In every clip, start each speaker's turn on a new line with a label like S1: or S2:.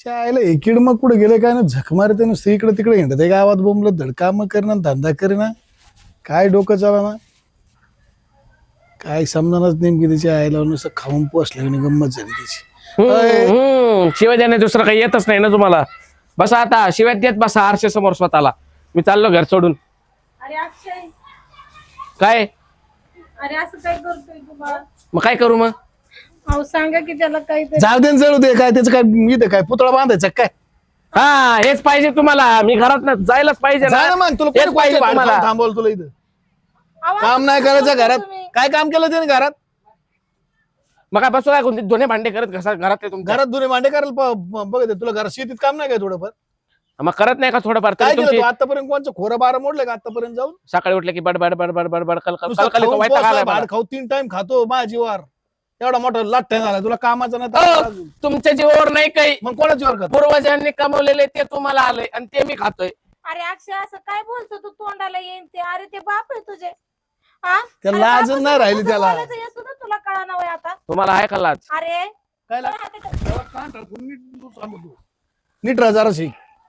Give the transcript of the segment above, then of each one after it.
S1: आयला एकीड मग कुठे गेले काय ना झक मारते नुसतं इकडे तिकडे हिंडते गावात बोंबलं धडकाम करणं धंदा करणं काय डोकं चालना काय समजानच नेमकी त्याची आईला नुसतं खाऊन पोसलं आणि गंमत झाली त्याची.
S2: शिवाय देणे दुसरं काही येतच नाही ना तुम्हाला. बसा आता शिवाय देत बसा आरशे समोर स्वतःला. मी चाललो घर सोडून.
S3: अरे अक्षय,
S2: काय
S3: अरे असं काय करतोय तू बाळा?
S2: मग काय करू मग?
S3: अहो सांगा की त्याला काहीतरी.
S1: जाऊ दे न जळू दे काय त्याचं काय इथे काय पुतळा बांधायचा काय
S2: हा हेच पाहिजे तुम्हाला. मी घरात ना जायलाच पाहिजे
S1: जा ना मग तुला
S2: हेच
S1: कोणी
S2: पाहिजे
S1: कोणतं भाडं
S2: तुम्हाला.
S1: खाऊन थांबवलं तुला इथं
S3: अहो,
S1: काम
S3: असं
S1: नाही
S3: काय
S1: करायचं
S3: करता
S1: घरात
S3: तुम्ही?
S1: काय काम केलं त्याने घरात
S2: मग काय बसू काय कोणते दोन्ही भांडे करत घरात तुमच्या
S1: घरात दुने भांडे करायला बघत तुला घरात शेतीत काम नाही काय थोडंफार
S2: मग करत नाही का थोडंफार
S1: काय
S2: तरी
S1: केलं
S2: तुमची
S1: तू आतापर्यंत कोणचं खोरं बारा मोडलं का आतापर्यंत जाऊन
S2: सकाळी उठले की बडबड बडबड बडबड
S1: नुसतं
S2: कलकल
S1: खाऊन
S2: वैताग
S1: पोसला,
S2: आलाय मला.
S1: भाड खाऊ 3 टाइम खातो माझीवर एवढा मोठा लाट्या झाला तुला कामाचा नाही तर
S2: अहो,
S1: अजून.
S2: तुमच्या जीवावर नाही काही.
S1: मग कोणाची वर खातो
S2: पूर्वजांनी कमवलेले ते तुम्हाला आलंय आणि ते मी खातोय.
S3: अरे अक्षय असं काय बोलतो तू? तोंडाला येईन ते. अरे ते बाप आहे तुझे. हा?
S1: त्याला
S3: अरे
S1: लाज
S3: बापाचं
S1: नाही राहिली
S3: कसं
S1: त्याला.
S3: बोलायचं हे सुद्धा तुला कळाना वय आता.
S2: तुम्हाला आहे का लाज?
S3: अरे
S1: काय
S3: काय
S1: नीट राहा जराशी.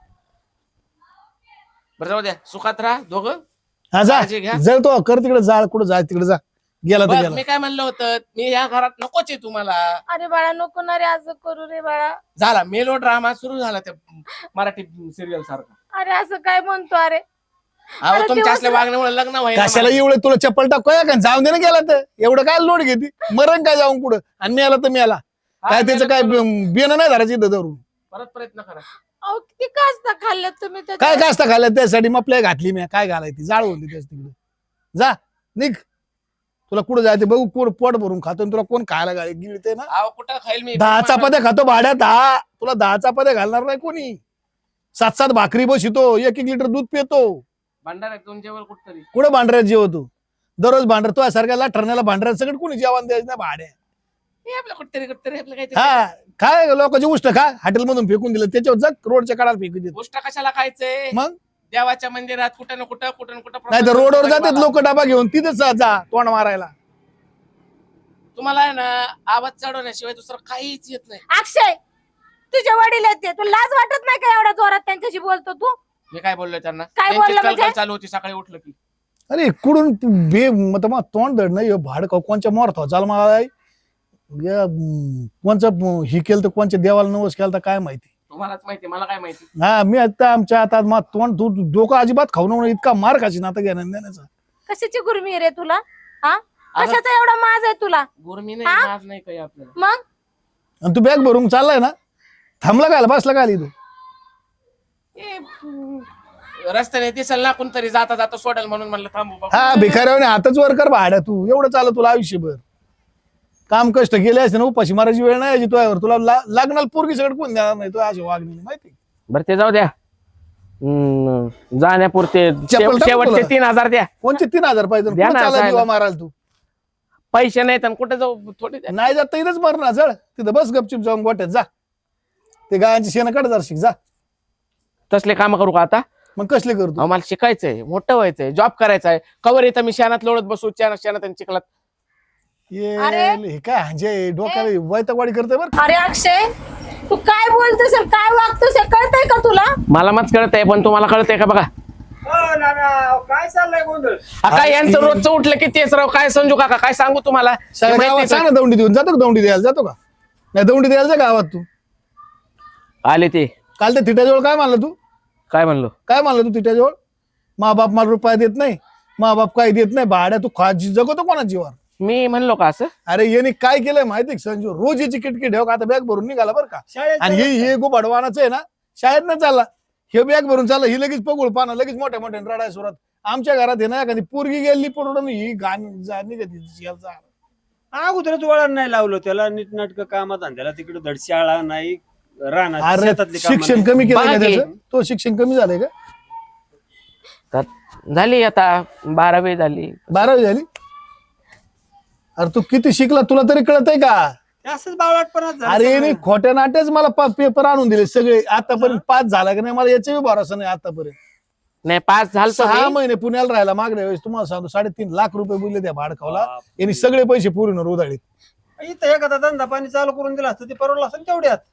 S2: बरं जाऊ द्या सुखात राहा दोघं.
S1: हा जा
S2: काळजी घ्या.
S1: जर तो कर तिकडे जाळ कुठं जाय तिकडे जा गेला तर
S2: बघ,
S1: गेला
S2: मी काय म्हणलं होतं मी या घरात नकोच आहे तुम्हाला.
S3: अरे बाळा नको ना रे असं करू रे बाळा.
S2: झाला मेलो ड्रामा सुरू झाला त्या मराठी सिरियल सारखा.
S3: अरे असं काय म्हणतो? अरे
S2: अहो
S3: अरे
S2: तुमच्या
S3: दिवस
S2: असल्या वागण्यामुळे लग्न व्हायला
S1: कशाला एवढं तुला चप्पल टाक का जाऊन दे ना गेला तर एवढं काय लोड घेते मरण काय जाऊन कुठं आणि मी आला तर मी आला काय त्याचं काय बियाणं नाही धरायचं इथं धरून
S2: परत प्रयत्न करा.
S3: अहो किती कास्ता खाल्ल्यात तुम्ही
S1: काय
S3: त्याच्यात?
S1: काय असतं खाल्लं त्यासाठी मग आपल्या घातली मी काय घालायची जाळ होती त्याच तिकडे जा निघ तुला कुठं जायचं बघू कोण पोट भरून खातो आणि तुला कोण खायला गेली ते ना
S2: अहो कुठं खाईल मी
S1: 10 चपात्या खातो भाड्यात 10 तुला 10 चपात्या घालणार नाही कोणी 7-7 भाकरी बसितो 1-1 लिटर दूध पितो
S2: भांडार तुमच्यावर कुठतरी
S1: कुठं भांडऱ्यात जेवतो दररोज भांडर तो सारख्याला ठरण्याला भांडऱ्यात सगळं कोणी जेवण द्यायचं नाही भाड्या
S2: हे आपलं कुठतरी आपलं काहीतरी
S1: हा काय लोकांची उष्ट खा हॉटेल मधून फेकून दिलं त्याच्यावर जग रोडच्या काढाला फेकून देत
S2: गोष्ट कशाला खायचंय?
S1: मग
S2: देवाच्या मंदिरात कुठं ना कुठं
S1: नाही तर रोडवर जातात लोक डबा घेऊन तिथेच जा तोंड मारायला
S2: तुम्हाला आहे ना आवाज चढवण्याशिवाय दुसरं काहीच येत नाही.
S3: अक्षय तुझे वडील आहेत ते. तू लाज वाटत नाही का एवढ्या जोरात त्यांच्याशी बोलतो तू?
S2: मी काय बोललोय त्यांना?
S3: काय
S2: त्यांची
S3: बोलला
S2: कलकल
S3: म्हणजे?
S2: चालू होती सकाळी उठलं की.
S1: अरे कुठून बे मग तोंड धड नाही भाड कोणच्या मोर चाल मला कोणचं ही केलं तर कोणच्या देवाला नवस केलं तर काय माहिती
S2: तुम्हालाच माहिती मला काय माहिती.
S1: हा मी आता आमच्या आता मग तोंड तू डोकं अजिबात खाऊ नको इतका मार खाशी ना आता घेण्यात देण्याचा
S3: कशाची गुरमी रे तुला? हा कशाचा एवढा माज आहे तुला?
S2: गुरमी
S3: हा?
S2: नाही नाज नाही काही आपल्याला.
S3: मग
S1: आणि तू बॅग भरून चाललाय ना थांबला काय बसला काय इथं
S2: ए, रस्त्याने दिसल ना कोणतरी जाता जाता सोडेल म्हणून म्हणलं थांबू बाबा.
S1: हा भिकाऱ्याने हातच वर कर भाड्या तू एवढं चालत तुला आयुष्यभर काम कष्ट केले असते ना उपाशी मारायची वेळ नाही यायची तुझ्यावर तुला लागणार पोरगी सगळं कोण देणार नाही तू अशी वागणी माहिती
S2: बरं ते जाऊ द्या. जाण्यापुरते
S1: चप्पल टाकू
S2: शेवटचे
S1: तुला.
S2: 3000 द्या.
S1: कोणचे 3000 पाहिजे
S2: द्या ना,
S1: चालला
S2: जायला.
S1: जीवा मारायला तू
S2: पैसे नाहीत आणि कुठे जाऊ थोडे द्या.
S1: नाही जात तर इथंच मरणार जळ तिथं बस गपचिप जाऊन गोट्यात जा ते गायांची शेण काढ जरा शिक जा
S2: तसले काम करू का आता?
S1: मग कसले करतो
S2: अहो, मला शिकायचंय मोठं व्हायचंय जॉब करायचंय कवर येतं मी शेणात लोळत बसू शेणात आणि चिखलात.
S3: अरे.
S1: हे काय म्हणजे डोक्याला वैतागवाडी करते बरं
S3: अरे अक्षय तू काय बोलतोस आणि काय वागतोस हे कळतंय का तुला?
S2: मला मच कळतंय पण तुम्हाला कळतंय का बघा?
S4: काय चाललंय गोंधळ?
S2: काय यांचं रोजचं उठलं की तेच राव काय संजू काका काय सांगू तुम्हाला?
S1: सगळ्या
S2: हे
S1: गावात
S2: माहिती
S1: सांग ना दौंडी देऊन जातो का दौंडी द्यायला जातो का नाही दौंडी द्यायला जा गावात तू
S2: का? आले ते
S1: काल त्या थिट्याजवळ काय मानलं तू
S2: काय म्हणलो?
S1: काय मानलं तू थिट्याजवळ मा बाप मला रुपया देत नाही मा बाप काय देत नाही भाड्या तू जगतो कोणा जीवावर
S2: मी म्हणलो का असं?
S1: अरे याने काय केलंय माहिती का संजू रोज याची किटकी ठेव का आता बॅग भरून निघाला बरं का
S4: शाळेत
S1: आणि हे गो भडवानाच आहे ना शाळेत न चालला हे बॅग भरून चालला ही लगेच पगोळ पाना लगेच मोठ्या मोठ्या रडाय सुरात आमच्या घरात आहे ना एखादी पोरगी गेली पडून ही गाणी
S4: अगोदरच वळण नाही लावलं त्याला नीटनाटक कामात आणि त्याला तिकडे धड शाळा नाही राहणार
S1: अरे
S4: शेतातली कामं
S1: शिक्षण
S4: नाही.
S1: कमी केलं
S2: बघा
S1: का
S2: की.
S1: त्याचं तो शिक्षण कमी झालंय का
S2: झाली आता 12वी झाली.
S1: 12वी झाली अरे तू किती शिकला तुला तरी कळतंय का
S4: ते असंच बावळटपणात झालं
S1: अरे
S4: सगळं.
S1: नाही खोट्या नाट्यच मला पेपर आणून दिले सगळे आतापर्यंत 5 झाला का नाही मला याचा भरोसा नाही आतापर्यंत
S2: नाही पास झालं
S1: 6 महिने पुण्याला राहिला मागल्या वेळेस तुम्हाला सांगतो 3.5 लाख रुपये बोलले त्या भाडखावला यांनी सगळे पैसे पूर्ण उधळले
S4: इथं एखादा धंदा पाणी चालू करून दिला असतं ते परवडलं असतं तेवढ्यात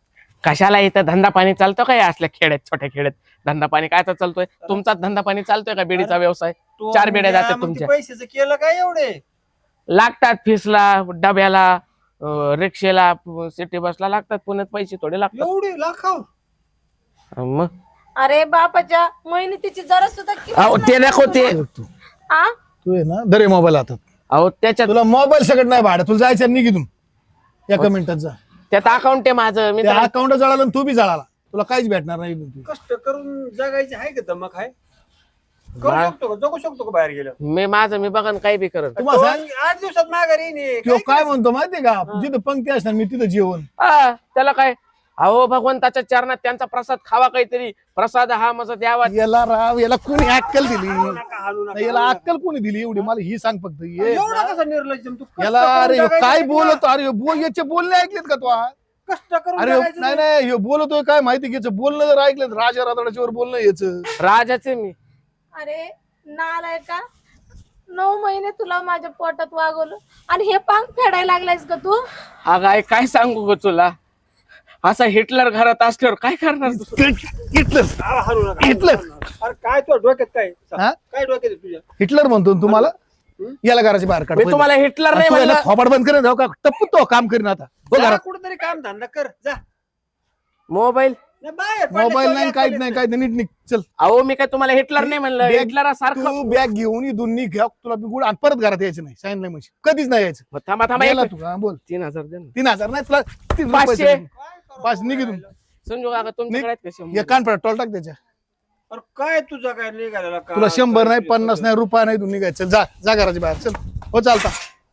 S2: कशाला इथं धंदा पाणी चालतो का या असल्या खेड्यात, छोट्या खेड्यात धंदा पाणी काय तर चालतोय? तुमचाच धंदा पाणी चालतोय का बीडीचा व्यवसाय?
S4: तो
S2: 4 बेड्या
S4: द्या,
S2: जातात
S4: मग ते
S2: तुमच्या.
S4: पैशाचं केलं काय एवढे?
S2: लागतात फीसला, डब्याला, रिक्षेला, सिटी बसला लागतात. पुण्यात पैसे थोडे लागतात.
S4: एवढे लाखाव?
S2: मग
S3: अरे बापाच्या मेहनतीची जरा सुद्धा
S2: अहो
S3: किंमत
S2: ते
S3: नाही
S2: नको ते.
S1: तू
S3: हा?
S1: तू आहे ना दरे मोबाईल हातात.
S2: अहो त्याच्यात
S1: तुला मोबाईल सगळं नाही भाडं, तुला जायचं निघितून एका मिनिटात जा.
S2: त्यात अकाउंट आहे माझं. मी
S1: त्या अकाउंट जळालं आणि तू बी जळाला, तुला काहीच भेटणार नाही इथून.
S4: कष्ट करून जगायचे आहे का दमक आहे? करू शकतो का, जगू शकतो का बाहेर गेलं?
S2: मी बघन काही बी करत.
S1: तुम्हाला सांग
S4: 8 दिवसात माघारी येईन.
S1: तो काय म्हणतो माहितीये का, जिथं पंक्ती असणार मी तिथं जेवण.
S2: त्याला काय? अहो भगवंताच्या चरणात त्यांचा प्रसाद खावा काहीतरी. प्रसाद हा माझा द्यावा.
S1: याला राव, याला कोणी अक्कल दिली?
S4: नका हालू नका.
S1: नाही, याला अक्कल कोणी दिली एवढी? मला ही सांग फक्त. ये
S4: एवढा कसा निर्लज्जम तू? कष्ट
S1: याला
S4: करून
S1: अरे ह्यो
S4: जगायचं
S1: काय
S4: नाही का?
S1: बोलतो? अरे ह्यो याचे बोलणे ऐकलेत का तू?
S4: कष्ट करून
S1: अरे
S4: जगायचं
S1: नाही
S4: नाही.
S1: नाही, ह्यो बोलतोय काय माहिती की याचं बोलणं जर ऐकलं राजा रातडाच्या वर बोलणं याचं.
S2: राजाचे मी.
S3: अरे नालाय का, 9 महिने तुला माझ्या पोटात वागवलं आणि हे पांग फेडायला लागलायस का तू?
S2: अगं काय सांगू ग तुला, असा हिटलर घरात असल्यावर काय करणार तू?
S1: हिटलर
S4: अरे हालू नका.
S1: हिटलर
S4: अरे काय तुझ्या डोक्यात काय?
S1: हा?
S4: काय डोक्यात आहे तुझ्या?
S1: हिटलर म्हणतो ना तुम्हाला? याला घराची बाहेर काढ.
S2: मी तुम्हाला हिटलर नाही
S1: तू याला
S2: म्हणलं.
S1: थोबाड बंद करेन का टप्पू तो काम करीन आता. हो
S4: जा
S1: घरात.
S4: कुठेतरी काम धंदा कर जा.
S2: मोबाईल.
S4: नाही बाहेर
S1: मोबाईल नाही,
S4: पडल्याशिवाय
S1: काहीच नाही, काहीच नाही. नीट निघ चल.
S2: अहो मी काय तुम्हाला हिटलर नाही म्हणलं.
S1: बॅग-
S2: हिटलर सारखं.
S1: तू बॅग घेऊन इथून निघ, तुला बिगुड आणि परत घरात यायचं नाही. सांगितलं म्हणजे कधीच नाही यायचं.
S2: थांबा थांबा
S1: गेला
S2: एक-
S1: तू हा, बोल.
S2: 3000 दे ना.
S1: 3000 नाही तुला 3
S2: 500.
S1: रुपये. 5 निघ इथून.
S2: समजू काका तुमच्याकडे आहेत का
S1: ये
S2: 100?
S1: कान पडा टोल टाक त्याच्या.
S4: अरे काय तुझा काय निघालेला का?
S1: तुला 100 नाही, 50 नाही, रुपया नाही, तू निघायचं. चल जा, जा घराच्या बाहेर चल. हो चालता.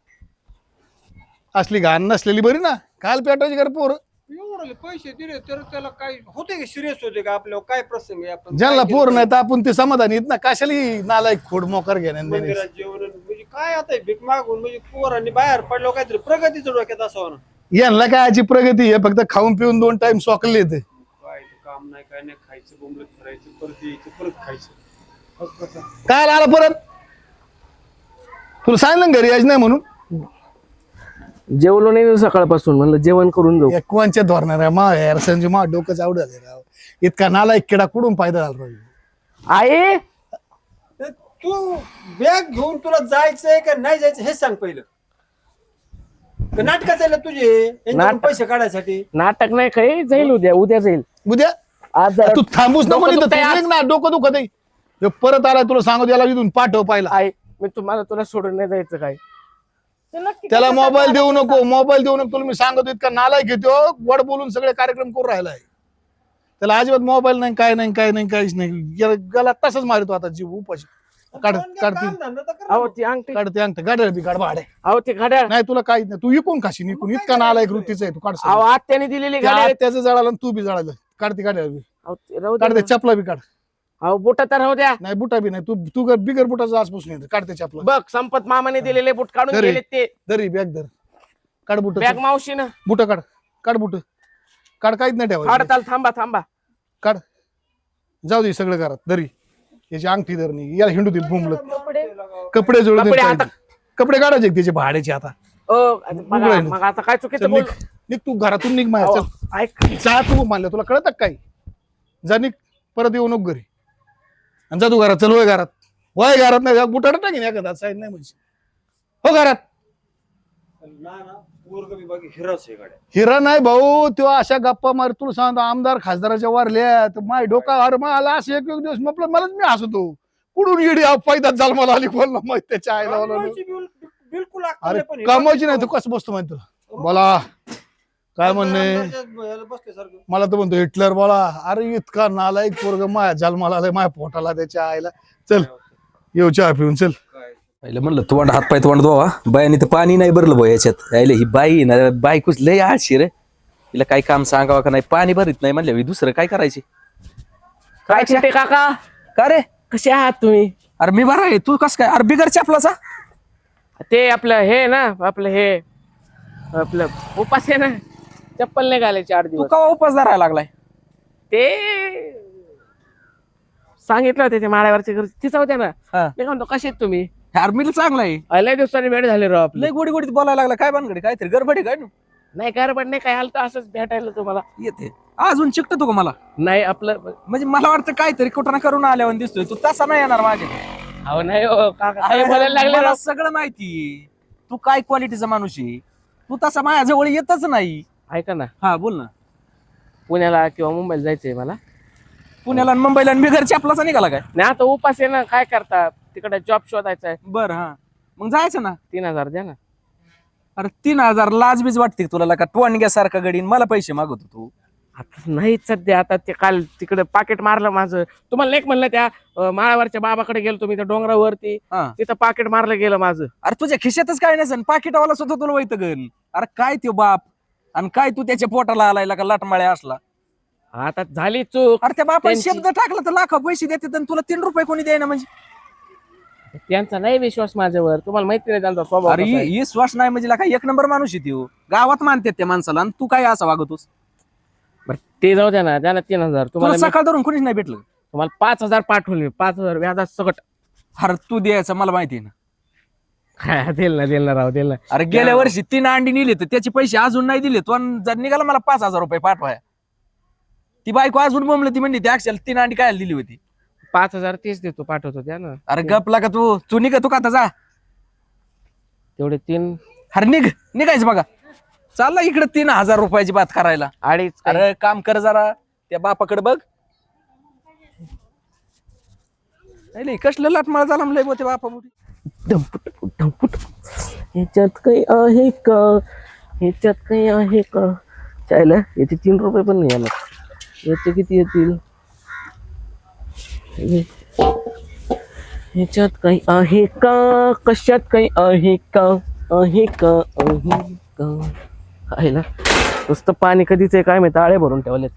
S1: असली घाण नसलेली बरी ना, काल पेटायची घर पोर.
S4: एवढे पैसे दिले तर त्याला काय होते का? सिरियस होते का? आपल्यावर काय प्रसंग आहे? आपण
S1: ज्यांना
S4: काय
S1: पोर
S4: केलं?
S1: नाही तर आपण ते समाधानी आहेत ना. कशाला ही नालायक खोड मोकार घेण्या
S4: मंदिरात जेवण म्हणजे काय आता हे भीक मागून म्हणजे पोरांनी बाहेर पडलो काहीतरी प्रगतीचं डोक्यात असावं ना.
S1: यांना काय याची प्रगती आहे? फक्त खाऊन पिऊन 2 टाइम सोकले येते.
S4: काय ते काम नाही काय नाही, खायचं बोंबलत फिरायचं, परत यायचं, परत खायचं. बस कसं?
S1: काय आला परत? तुला सांगितलं ना घरी यायचं नाही म्हणून.
S2: जेवलो नाही सकाळपासून, म्हणलं जेवण करून जाऊ.
S1: कोणच्या धोरणार आहे मा यार संजू, मा डोकंच आवड झाले राव. इतका नालायक किडा कुठून फायदा झाला राव?
S2: आई
S4: ते तू बॅग घेऊन तुला जायचंय का नाही जायचं हे सांग पहिलं. का नाटकं चाललं तुझे यांच्याकडून
S2: नाटक.
S4: पैसे काढायसाठी?
S2: नाटक नाही काही, जाईल उद्या जाईल.
S1: उद्या
S2: आज जरा-
S1: तू थांबूच नको
S2: डोकं
S1: इथं.
S2: दुखतंय
S1: तू
S2: आज.
S1: निघ ना, डोकं दुखत आहे. ह्यो परत आलाय, तुला सांगू याला इथून पाठव पाहिला.
S2: आई मी तुला सोडून नाही जायचं काय.
S3: तू नक्की
S1: त्याला
S3: कशासाठी
S1: मोबाईल देऊ
S3: आला?
S1: नको, मोबाईल देऊ नको. तुला मी सांगतो इतका नालायक घेतो, वड बोलून सगळे कार्यक्रम करून राहिलाय. त्याला अजिबात मोबाईल नाही, काय नाही, काय नाही, काहीच नाही. याला तसंच मारतो आता जीव उपाशी. काढ
S4: काम
S1: काढते
S4: धंदा तर कर
S2: अहो
S4: ना.
S2: ती अंगठी.
S1: काढते अंगठ गाड्या बी काढ भाडे.
S2: अहो ते घड्याळ.
S1: नाही तुला काहीच नाही, तू इकून खाशी इकून. इतका नालायक वृत्तीचा आहे तू. काढ
S2: अहो आत्याने दिलेली घड्याळ.
S1: त्याचं जळालं आणि तू बी जळालं. काढते गाड्या बी.
S2: अहो ते राहू दे
S1: काढते
S2: ना.
S1: चपला बी काढ.
S2: अहो बुटा तर राहू द्या.
S1: नाही बुटा बी नाही, तू बिगर बुटाचा आजपासून येते. काढते चपला.
S2: बघ संपत मामाने दिलेले बूट काढून
S1: घरी.
S2: गेले ते.
S1: दरी बॅग धर. काढ बुट.
S2: बॅग मावशीनं.
S1: बुट काढ. काढ बुट. काढ, काहीच नाही ठेवायचं.
S2: हडताल थांबा.
S1: काढ. जाऊ दे सगळं घरात. दरी याची अंगठी धरणी, याला हिंडू दे बोंबलत.
S3: कपडे
S1: कपडे जोडून
S2: कपडे
S1: दे.
S2: आता-
S1: कपडे काढायचे का त्याचे भाड्याचे आता?
S2: बघा, मग आता काय चुकीचं
S1: चल
S2: बोल.
S1: निघ. निघ तू घरातून निघ माझ्या.
S2: अहो,
S1: चल
S2: ऐक
S1: जा तू मानलं, तुला कळत काय? जा निघ, परत येऊ नको घरी. आणि जा तू घरात. चल वय घरात. वय घरात नाही बुटाड टाकीन एखादा साईड नाही म्हणजे. हो घरात.
S4: ना पोरगं बी बाकी हिराच आहे गाड्या.
S1: हिरा नाही भाऊ, तो अशा गप्पा मार. तुला सांगतो आमदार खासदाराच्या वारल्या तर माय डोका. अरे मला असं एक दिवस मलाच मी हसतो. कुठून येडी फायदा झाला मला आली कोणला माहित त्याच्या आईला मला.
S4: कमवायची बिलकुल अक्कल
S1: अरे
S4: नाही पण हे
S1: कमवायची नाही, तू कसं बसतो माहिती तुला? बोला काय म्हणणे.
S4: याला बसल्यासारखं.
S1: मला तर म्हणतो हिटलर. बोला अरे इतका नालायक पोरग माया जन्माला आलाय, माया पोटाला त्याच्या आईला. चल येऊ चहा पिऊन चल.
S4: काय
S5: पहिलं म्हणलं तोंड हातपाय तोंड धुवा. बायाने तर पाणी नाही भरलं भाऊ याच्यात. यायला ही बाई ना, बायकोच लय आळशी रे. तिला काही काम सांगावं का नाही, पाणी भरीत नाही म्हणलं दुसरं काय करायचे.
S2: काय चिंटे काका,
S5: का रे?
S2: कसे आहात तुम्ही?
S5: अरे मी बरा आहे, तू कस काय? अरे बिगर चपलाचा.
S2: ते आपलं हे ना, आपलं उपास आहे ना, चप्पल नाही घालायचे 8
S5: तू
S2: दिवस.
S5: कवा उपास धरायला लागलाय?
S2: ते सांगितलं होते ते माळ्यावरच्या घरी. तिचा होत्या ना.
S5: हा.
S2: मी म्हणतो कसे आहेत तुम्ही?
S5: यार मी चांगला आहे.
S2: लय दिवसांनी भेट झाली राव आपली.
S5: लय गोडी गोडीत बोलायला लागला. काय भानगडी? काहीतरी गडबडी काय?
S2: नाही गडबड नाही काय आलं तर असंच भेटायला तुम्हाला.
S5: येते अजून चिकटतो का मला?
S2: नाही आपलं
S5: म्हणजे मला वाटतं काहीतरी कुठं ना करून आल्यावर दिसतोय तू, तसा नाही येणार माझ्या.
S2: अहो नाही हो काका काय बोलायला लागले
S5: मला
S2: राव.
S5: सगळं माहिती तू काय क्वालिटीचा माणूस आहे. तू तसा माझ्या जवळ येतच नाही.
S2: ऐका ना,
S5: हा बोल ना.
S2: पुण्याला किंवा मुंबईला जायचंय मला.
S5: पुण्याला आणि मुंबईला आणि बिगर चपलाचा निघाला काय?
S2: नाही आता उपास आहे ना, काय करता तिकडे जॉब शोधायचा आहे.
S5: बर हा मग जायचं ना.
S2: 3,000 द्या ना.
S5: अरे 3,000 लाजबीज वाटते का तुला? का टोणग्यासारखा गडीन मला पैसे मागवतो तू?
S2: आता नाहीच सध्या. आता ते काल तिकडे पाकिट मारलं माझं. तुम्हाला एक म्हणलं त्या माळावरच्या बाबाकडे गेलो तुम्ही त्या डोंगरावरती,
S5: हा.
S2: तिथं पाकिट मारलं गेलं माझं.
S5: अरे तुझ्या खिशातच काय नसेल, पाकिटवाला सुद्धा तुला वैत गण. अरे काय त्यो बाप आणि काय तू त्याच्या पोटाला आलाय का लाटमाळ्या असला.
S2: आता झाली चूक.
S5: अरे त्या बापाने
S2: त्यांची-
S5: शब्द टाकला तर लाखो पैसे देतात आणि तुला 3 रुपये कोणी द्यायना म्हणजे.
S2: त्यांचा नाही विश्वास माझ्यावर. तुम्हाला माहिती नाही त्यांचा स्वभाव
S5: अरे
S2: कसा आहे.
S5: ही श्वास नाही म्हणजे काय 1 नंबर माणूस आहे त्यो. गावात मानतात त्या माणसाला आणि तू काय असं वागतोस?
S2: बरं, ते जाऊ द्या ना, द्या ना 3,000.
S5: तुला
S2: तुम्हाला
S5: सकाळ धरून कोणीच नाही भेटलं.
S2: तुम्हाला 5,000 पाठवले. 5,000 व्याजात सकट.
S5: अरे तू द्यायचं मला माहिती आहे ना.
S2: हा, देईल ना राव, देईल ना.
S5: अरे गेल्या वर्षी 3 अंडी नेली तर त्याचे पैसे अजून नाही दिले तो, आणि जर निघाला मला 5,000 रुपये पाठवाय. ती बायको अजून बोंबली, ती म्हणली ती अक्षर 3 अंडी काय दिली होती.
S2: 5,000 तेच देतो, पाठवतो, द्या ना.
S5: अरे गपला का तू निघ तू का आता जा.
S2: तेवढे 3
S5: अरे निघायचं बघा. चालला इकडे 3,000 रुपयाची बात करायला.
S2: 2.5
S5: अरे काम कर जरा, त्या बापाकडे बघ. नाही कसलं लाटमाळ झाला म्हणलंय बो ते बापा मोठी.
S2: धमपुट ह्याच्यात काही आहे का, ह्याच्यात काही आहे का? चायला याचे 3 रुपये पण नाही आला. याचे किती येतील? ह्याच्यात काही आहे का, कशात काही आहे का, आहे का, आहे का? आहे ना, नुसतं पाणी कधीच आहे काय माहिती, आळे भरून ठेवलेत.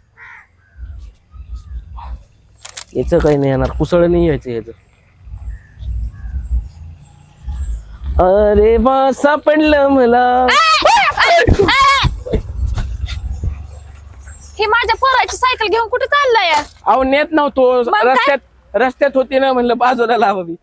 S2: याचं काही नाही येणार, कुसळ नाही यायचं याचं. अरे वा सापडलं मला.
S3: ही माझ्या पोराची सायकल घेऊन कुठे चाललाय?
S2: अहो नेत नव्हतो,
S3: मग काय?
S2: रस्त्यात होती ना, म्हणलं बाजूला लावावी.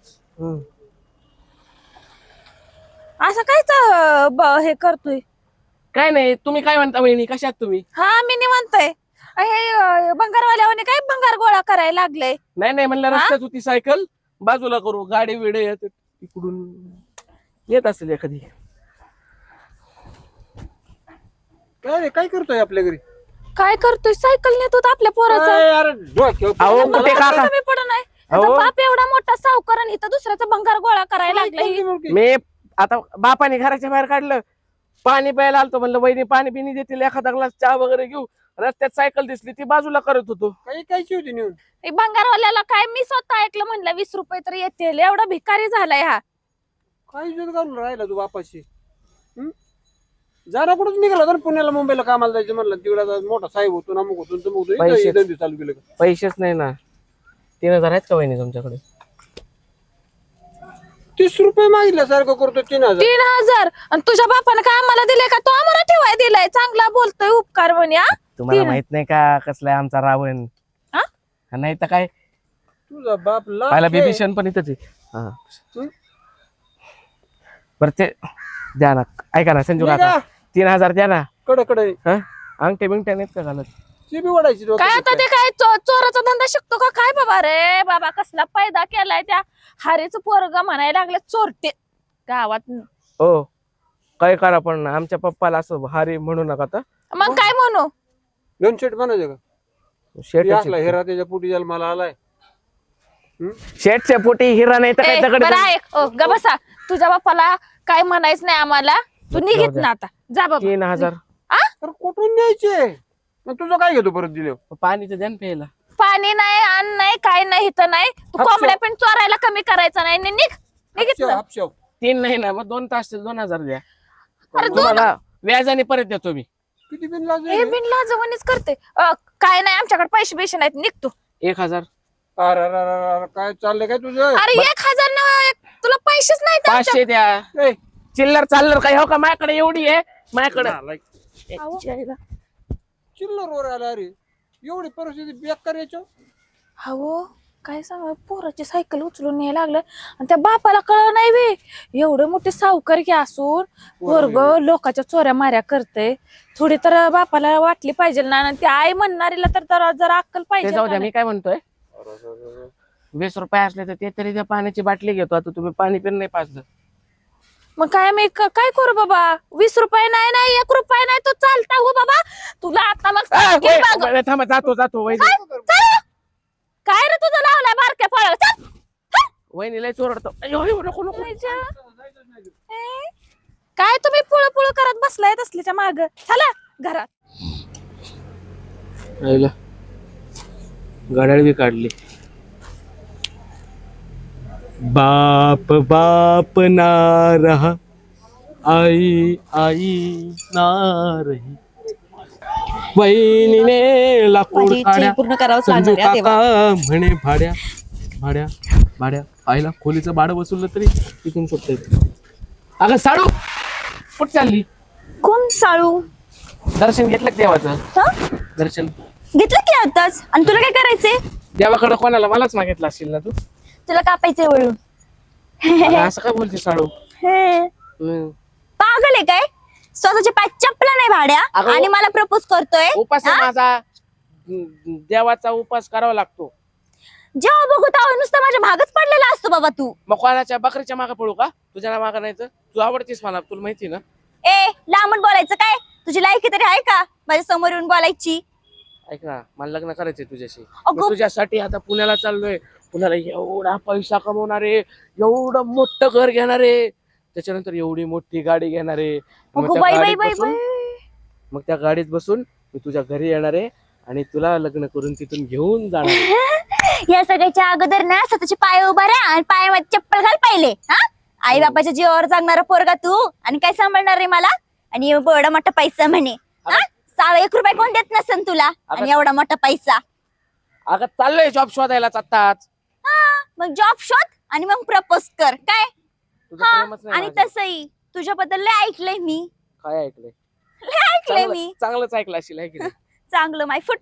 S3: असं कायच हे करतोय?
S2: काय नाही, तुम्ही काय म्हणता वहिनी, कशात तुम्ही?
S3: हा मी निवांतय. हे भंगारवाल्याने काय भंगार गोळा करायला लागले?
S2: नाही म्हणलं रस्त्यात होती सायकल, बाजूला करू. गाडी विडे येत इकडून येत असेल एखादी.
S4: काय रे काय करतोय आपल्या घरी?
S3: काय करतोय? सायकल नेत होता आपल्या पोराचा.
S4: अरे डोक्यावर
S2: अहो
S4: पडलं.
S2: कुठे काका,
S3: कमी पडू नाही.
S2: अहो.
S3: त्याचा बाप एवढा मोठा सावकार आणि इथं दुसऱ्याचा भंगार गोळा करायला लागलाय.
S2: मी आता बापाने घराच्या बाहेर काढलं, पाणी प्यायला आलतो, म्हणलं वहिनी पाणी पिणी देतील, एखादा ग्लास चहा वगैरे घेऊ. रस्त्यात सायकल दिसली, ती बाजूला करत होतो.
S4: काही कायची होती नेऊन?
S3: हे भंगारवाल्याला काय मी स्वतः ऐकलं, म्हणलं 20 रुपये तर येतील. एवढा भिकारी झालाय हा.
S4: काय इज्जत घालून राहिला तू बापाशी? जरा कुठंच निघाला तर पुण्याला मुंबईला कामाला जायचं म्हणलं, तिकडे मोठा साहेब होतो ना, मग होतो
S2: पैसे.
S4: धंदे चालू केलं का?
S2: पैसेच नाही ना. 3,000 आहेत का वहिनी तुमच्याकडे?
S4: 30 रुपये मागितल्यासारखं करतो. 3,000
S3: 3,000 आणि तुझ्या बापाने काय आम्हाला दिलंय का? तो आम्हाला ठेवाय दिलाय. चांगला बोलतोय उपकार म्हणे.
S2: तुम्हाला माहित नाही का कसलाय आमचा रावण?
S3: हा?
S2: नाही तर काय,
S4: तुझा बाप
S2: पाहिला
S4: लाख आहे.
S2: बिभीषण पण इथंच आहे. हा. बरं ते द्या ना, ऐका ना संजू काका, 3,000 द्या ना.
S4: कडे
S2: हा, अंगठे बिंगठे नाहीत का घालत?
S4: ती बी वाढायची
S3: काय आता ते काय चोराचा धंदा शिकतो का काय? बाबा रे बाबा, कसला पैदा केलाय त्या हारेचं पोरग म्हणायला लागले चोरटे गावात.
S2: हो काय करा, पण आमच्या पप्पाला असं हारी म्हणू नका. आता
S3: मग काय म्हणू?
S4: दोन शेट म्हणायचं का?
S2: शेट
S4: असला हिरा त्याच्या पोटी जायला मला आलाय.
S2: शेटच्या पोटी हिरा नाही तर काय दगड.
S3: बरं ऐक, ग बसा. तुझ्या बापाला काय म्हणायचं नाही आम्हाला. तू निघित ना आता, जा बाबा.
S2: 3,000
S4: तर कुठून न्यायचे? मग तुझं काय घेतो परत दिले?
S2: पाणीचं द्या ना प्यायला.
S3: पाणी नाही, अन्न नाही, काय नाही, इथं नाही. तू
S4: हापशा.
S3: कोंबड्या पण चोरायला कमी करायचा नाही. निघित ना.
S4: हापशाव.
S2: 3 नाही ना, मग 2 तास 2,000 द्या.
S3: अरे दोन
S2: तुम्हाला व्याजाने परत देतो मी.
S4: किती बिन लाज
S3: हे बिनला जवळच करते. काय नाही, आमच्याकडे पैसे बिशे नाहीत. निघतो.
S2: 1,000
S4: अरे काय चाललंय काय तुझं?
S3: अरे 1,000 ना, तुला पैसेच नाहीत
S2: 500 द्या.
S4: ए,
S2: चिल्लर चाललर काय हो का? माझ्याकडे एवढी आहे, माझ्याकडे.
S4: नालायक. चिल्लर वर आला. अरे एवढी परिस्थिती बेकार याच्या.
S3: हो काय सांग पोराची सायकल उचलून न्यायला लागलं आणि त्या बापाला कळ नाही बे एवढं मोठे सावकारकी असून पोरग लोकांच्या चोऱ्या माऱ्या करते थोडी तर बापाला वाटली पाहिजे ना आणि ती आई म्हणणारीला तर जरा अक्कल
S2: ते
S3: पाहिजे
S2: जाऊ
S3: का
S2: द्या,
S3: नाही?
S2: मी काय म्हणतोय 20 रुपये असले तर ते तरी त्या पाण्याची बाटली घेतो. आता तुम्ही पाणी पण नाही पाजलं.
S3: मग काय मी काय करू बाबा 20 रुपये नाही नाही 1 रुपया नाही तो चालता हो बाबा तुला आता मग सांगते बघ.
S2: थांबा, जातो वहिनी.
S3: चल. काय रे तुझं लावलाय बारक्या फळ चल
S2: वहिनी लय चोरडतो. अय्यो, अय्यो, नको नको.
S3: काय तुम्ही पुळ करत बसलाय तसलीच्या माग चला घरात.
S2: आईला गाड्या बी काढली. बाप बाप ना रहा, आई आई ना रही. वहिनीने लाकूड
S6: माझी इच्छा
S2: काढ्या,
S6: पूर्ण करावंच
S2: संजू
S6: लागणार आहे
S2: काका म्हणे भाड्या भाड्या भाड्या. आईला खोलीचं भाडं वसूललं तरी तिथून सुटतंय. अगं साडू कुठं चालली?
S6: कोण साळू?
S2: दर्शन घेतलं का देवाचं?
S6: हं?
S2: दर्शन
S6: घेतलं की आताच. आणि तुला काय करायचंय?
S2: देवाकडे कोणाला? मलाच मागितलं असेल ना तू.
S6: तुला कापायचंय वळून?
S2: अगं, असं काय बोलते साडू?
S6: हे, पागल आहे काय? स्वतःच्या पाय चपला नाही भाड्या
S2: अगं,
S6: आणि मला प्रपोज करतोय.
S2: उपास आहे
S6: हा?
S2: माझा. देवाचा उपास करावा लागतो.
S6: जेव्हा बघू तेव्हा नुसतं माझ्या भागच पडलेला असतो बाबा तू.
S2: मग कोणाच्या बकरीच्या मागे पळू का? तुझ्या मागे नाही तर तू आवडतीस मला, तुला माहिती ना.
S6: ए लांबून बोलायचं काय? तुझी लायकी तरी आहे का माझ्या समोर येऊन बोलायची?
S2: ऐक ना, मला लग्न करायचंय तुझ्याशी.
S6: अगं.
S2: मग तुझ्यासाठी आता पुण्याला चाललोय. पुण्याला एवढा पैसा कमवणारे, एवढं मोठं घर घेणारे, त्याच्यानंतर एवढी मोठी गाडी घेणारे.
S6: अगं बाई बाई बाई बाई.
S2: मग त्या गाडीत बसून मी तुझ्या घरी येणार आहे आणि तुला लग्न करून तिथून घेऊन जाणार आहे.
S6: या सगळ्याच्या अगोदर ना स्वतःचे पाय उभा राहा आणि पायामध्ये चप्पल घाल पहिले. हा आई बापाच्या जीवावर जागणारा पोरगा तू आणि काय सांभाळणार रे मला? आणि एवढा मोठा पैसा म्हणे. हा 1 रुपया कोण देत नसेल तुला आणि एवढा मोठा पैसा.
S2: अगं चाललोय जॉब शोधायलाच आत्ताच.
S6: हा मग जॉब शोध आणि मग प्रपोज कर काय.
S2: तुझं
S6: हा
S2: प्रेमच नाही
S6: आणि
S2: माझ्यावर.
S6: तसंही तुझ्याबद्दल लय ऐकलंय मी.
S2: काय ऐकलंय?
S6: लय ऐकलंय मी.
S2: चांगलंच ऐकलं असेल, आहे की नाही?
S6: चांगलं माय फुट.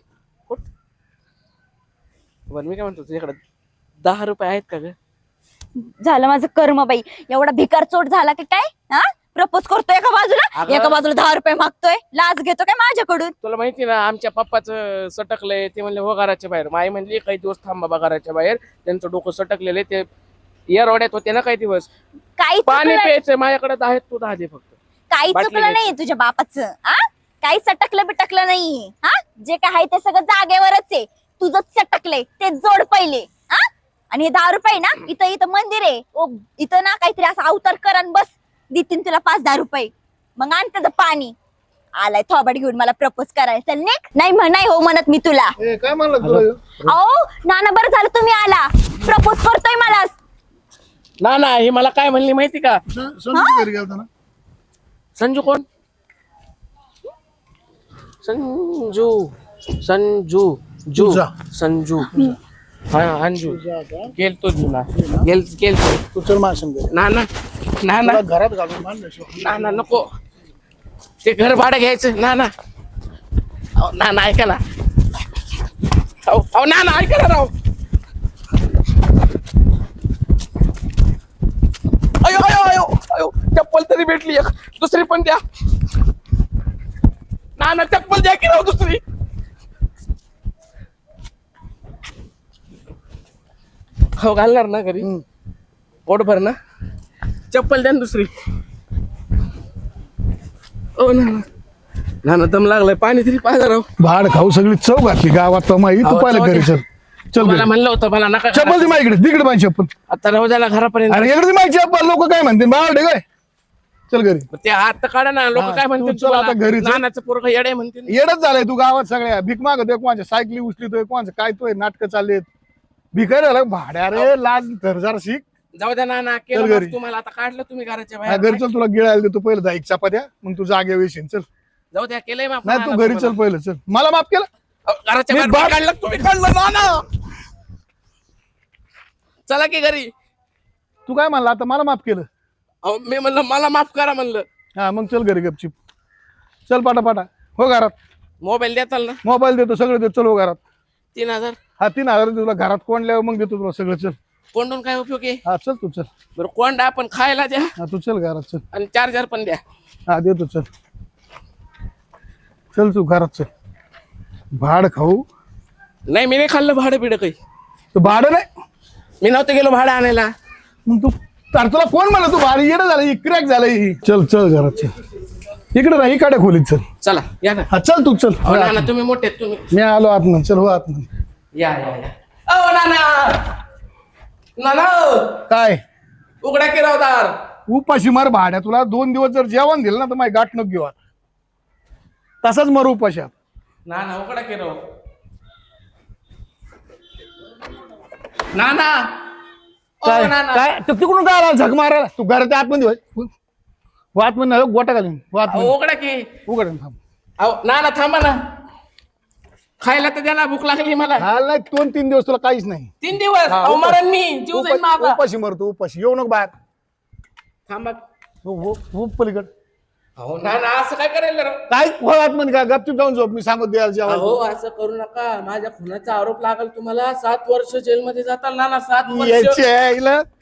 S2: बरं मी काय म्हणतो, तुझ्याकडे 10 रुपये आहेत का ग?
S6: झालं माझं कर्म बाई. एवढा भिकार चोट झाला की काय? हा प्रपोज करतोय एका बाजूला,
S2: अगं.
S6: एका बाजूला 10 रुपये मागतोय. लाच घेतो काय माझ्याकडून?
S2: तुला माहिती ना आमच्या पप्पाचं सटकलंय. ते म्हणले हो घराच्या बाहेर. माई म्हणली काही दिवस थांब बाबा घराच्या बाहेर, त्यांचं डोकं सटकलेलं आहे. ते एअरवाड्यात होते ना काही दिवस.
S6: काही
S2: पाणी
S6: चुकलं
S2: प्यायचंय माझ्याकडे आहेत, तू 10 दे फक्त.
S6: काही
S2: बाटली
S6: चुकलं
S2: घ्यायची.
S6: नाहीये तुझ्या बापाचं. हा काही सटकलं बिटकलं नाहीये. हा जे काय आहे ते सगळं जागेवरच आहे. तुझंच सटकलंय ते जोड पहिले. हा आणि हे 10 रुपये ना इथं मंदिर आहे. इथं ना काहीतरी असं अवतार कर आणि बस देतील तुला 5-10 रुपये. मग आण त्याचं पाणी. आलाय थोबाड घेऊन मला प्रपोज करायचं. चल निघ. नाही नाही हो म्हणत मी तुला.
S1: ए, काय म्हणलं तुला ह्यो?
S6: अहो नाना बरं झालं तुम्ही आला. प्रपोज करतोय मला.
S2: ना हे मला काय म्हणली माहिती का?
S1: संजू घरी गेलता ना?
S2: संजू कोण? संजू संजू जू
S1: तुझा.
S2: संजू हा अंजू गेलतो जुना गेलतो.
S1: तू चल माझ्या संग.
S2: ना
S1: तुला घरात घालून मान
S2: ना नको. ते घर भाडं घ्यायचं. ना ऐका ना. अहो ना ऐका ना राव. अयो अयो अयो अयो चप्पल तरी भेटली एक. दुसरी पण द्या ना. चप्पल द्या की राव दुसरी. हो घालणार ना घरी पोटभर ना. चप्पल द्या ना दुसरी. ओ ना दम लागलाय. पाणी तरी पाहिजे राव.
S1: भाड खाऊ सगळी चव घातली गावात माई. तू
S2: अहो,
S1: पाहिलं
S2: चव
S1: घरी
S2: दे.
S1: चल
S2: मला
S1: घरी.
S2: म्हणलं होतं मला नका
S1: चप्पल दे माझ्याकडे. तिकडे माझी चप्पल.
S2: आता राहू द्या ना घरापर्यंत.
S1: अरे इकडे माझी चप्पल. लोक काय म्हणतील बाळ काय. चल घरी.
S2: ते हात तर काढा ना. लोक
S1: हा,
S2: काय
S1: तू
S2: म्हणतील
S1: चल आता घरी चल.
S2: नानाचं पोरगं येडे म्हणतील.
S1: येडच झालाय तू गावात सगळ्या. भीक मागतोय कोणाच्या सायकली उचलितोय कोणाचं काय तोय नाटकं चाललेत. भिकारी झाला भाड्या रे. लाज धरजार शिक.
S2: जाऊ द्या ना
S1: चल
S2: केलं
S1: घरी.
S2: मग तुम्हाला आता काढलं तुम्ही घराच्या
S1: हा,
S2: बाहेर.
S1: घरी चल. तुला गिळायला देतो पहिलं 10 चपात्या. मग तू जागे वेशीन. चल.
S2: जाऊ द्या केलंय माफ.
S1: नाही तू घरी चल पहिलं. चल. मला माफ केलं.
S2: घराच्या
S1: मी
S2: बाहेर
S1: बाहेर-
S2: काढलं तुम्ही. काढलं ना. चला की घरी.
S1: तू काय म्हणला आता? मला माफ केलं.
S2: अहो, मी म्हणलं मला माफ करा म्हणलं.
S1: हा मग चल घरी गपचिप. चल पाटा हो घरात.
S2: मोबाईल देताल ना.
S1: मोबाईल देतो सगळं देतो. चल हो घरात.
S2: 3000
S1: हा 3,000 तुला घरात कोंडल्यावर मग देतो तुला सगळं. चल
S2: कोंडून काय उपयोग आहे?
S1: हा चल तू चल.
S2: बरं कोंडा आपण खायला द्या
S1: हा तू चल घरात चल.
S2: आणि चार्जर पण द्या.
S1: हा देतो चल. चल तू घरात चल. भाड खाऊ
S2: नाही मी नाही खाल्लं भाडं बिडं काही.
S1: तू भाडं नाही
S2: मी नव्हतं गेलो भाडं आणायला.
S1: मग तू तर तुला कोण म्हणलं तू भाडं येणं झालं क्रॅक झालं. चल चल घरात चल. इकडे नाही इकडे खोलीत चल.
S2: चला या ना.
S1: हा चल तू चल.
S2: हो नाना तुम्ही मोठे आहेत, तुम्ही
S1: मी आलो आतमध्ये. चल हो आतमध्ये.
S2: या या या. ओ नाना नाना
S1: काय
S2: उघडा की रावदार.
S1: उपाशी मार भाड्या. तुला 2 दिवस जर जेवण दिलं ना तर माझी गाठ नको घेऊ आता. तसाच मर उपाशी आता.
S2: नाना उघडा की राव. नाना
S1: काय
S2: नाना
S1: काय तू तिकडून काय आला झक मारायला. तू घरात आतमध्ये होय. आतमध्ये नाही गोटा घालीन.
S2: अहो, उघडा की.
S1: उघड थांब.
S2: अहो नाना थांबा ना. खायला तर द्या, भूक लागली मला.
S1: हा नाही 2-3 दिवस तुला काहीच नाही.
S2: 3 दिवस
S1: हा,
S2: अहो
S1: उपाशी.
S2: मरण मी जीव जाईन माझा.
S1: उपाशी मरतो उपाशी. येऊ नको बाहेर.
S2: थांबा.
S1: हो पलीकड.
S2: अहो नाना असं काय करायला राव?
S1: काय हो आतमध्ये काय गपचूप जाऊन झोप. मी सांगत द्यायला जेवायला.
S2: अहो असं करू नका. माझ्या खुनाचा आरोप लागल तुम्हाला. 7 वर्ष जेलमध्ये जाताल नाना. 7 वर्ष.
S1: यायचे आहे हिला.